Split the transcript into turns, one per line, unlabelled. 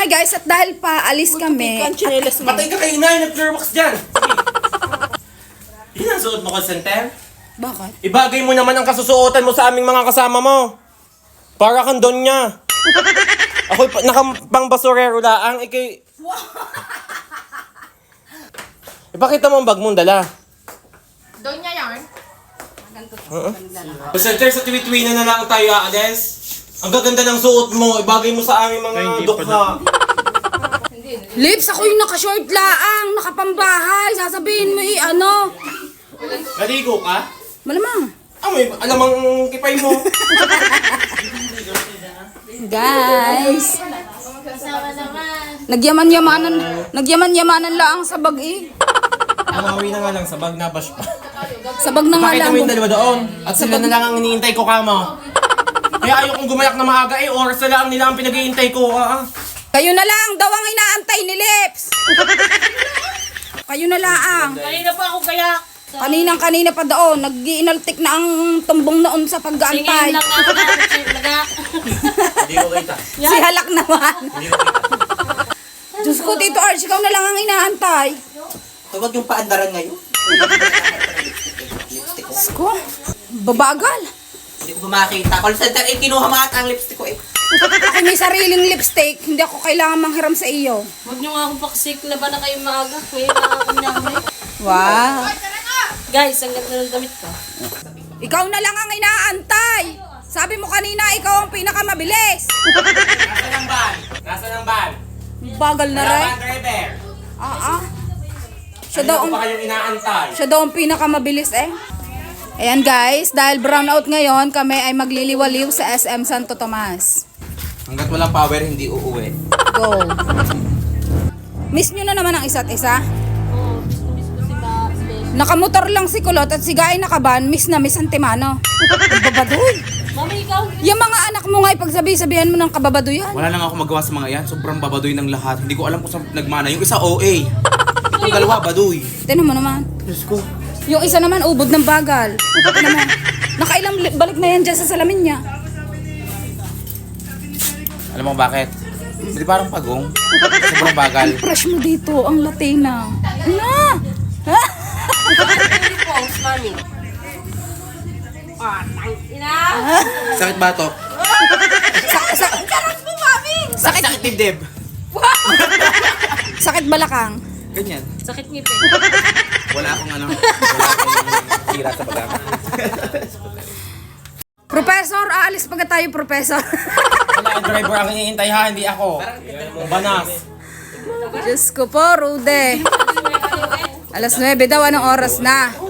nga guys, at dahil pa alis kami.
Patay ka kay inay, nag-flirbox dyan. Yun ang suot mo, call center?
Bakit?
Ibagay mo naman ang kasusuotan mo sa aming mga kasama mo. Para kang don niya. Ako'y nakapang basurero laang, ikay... Ipakita mo ang bag mong dala.
Doon niya yarn.
Call center, sa tuwi-tuwi na lang tayo aalis. Ang gaganda ng suot mo, ibagay mo sa aming mga dukha.
Lips, ako yung naka-short laang, nakapambahay. Sasabihin mo ano.
Naligo ka?
Malamang.
May alamang kipay mo.
Guys.
Kasama naman.
Nagyaman-yamanan laang sa bag eh.
Umawi na nga lang sa bag, nabash pa.
Sa bag na nga
Pakita
lang.
mo yung dalawa doon. At sila na lang ang iniintay ko kamo. Kaya ayokong gumayak na maaga eh. Oras na lang nila ang pinag-iintay ko.
Kayo na lang daw ang inaantay ni Lips. Kayo na lang.
Kanina pa ako kaya.
Kanina pa doon, nag-iinaltik na ang tumbong noon sa
Singin
pag-aantay.
lang na laga.
Hindi ko kita.
Si Halak naman. Diyos ko, Tito Arch, ikaw na lang ang inaantay.
Huwag yung paandaran ngayon.
Diyos ko, babagal.
Hindi ko ba makita. Call center, kinuha mo ata ang lipstick ko eh.
Ako may sariling lipstick, hindi ako kailangan manghiram sa iyo.
Huwag niyo nga akong paksik na ba na kayo maaga. May nakakanyamay.
Wow.
Guys, ang ganda ng damit ko.
Ikaw na lang ang inaantay. Sabi mo kanina, ikaw ang pinakamabilis.
Nasaan ang van? Nasaan ang van?
Bagal na rin.
Van driver.
Siya daw
Ano
ang,
pa kayong inaantay?
siya daw ang pinakamabilis eh. Ayan guys, dahil brownout ngayon, kami ay magliliwaliw sa SM Santo Tomas.
Hanggat walang power, hindi uuwi.
Go. Miss nyo na naman ang isa't isa.
Oo, miss ko si Bes.
Nakamotor lang si Kulot at si Guy nakaban, miss na miss Antimano. Babadoy.
Mami, ikaw.
Yung mga anak mo nga ipagsabi-sabihan mo ng kababadoyan.
Wala lang ako magawa sa mga yan. Sobrang babadoy ng lahat. Hindi ko alam kung saan nagmana. Yung isa, OA. Yung dalawa, baduy.
Tinan mo naman.
Diyos ko.
Yung isa naman, ubod ng bagal. Tinan mo. Nakailang balik na yan dyan sa salamin niya.
Alam mo bakit? Hindi parang pagong. Sobrang bagal.
Fresh mo dito, ang Latina. Na! Ha?
Pose, mami. Ina.
Sakit ba to?
Karat mo, mami.
Sakit dibdib.
Sakit balakang.
Ganyan.
Sakit ngipin.
Wala akong ano. Wala akong tira sa baga.
Professor, aalis pagka tayo, Professor.
Wala ang driver ang iniintay ha, hindi ako. Banas.
Diyos ko po, Rude. Alas 9 daw, anong oras na?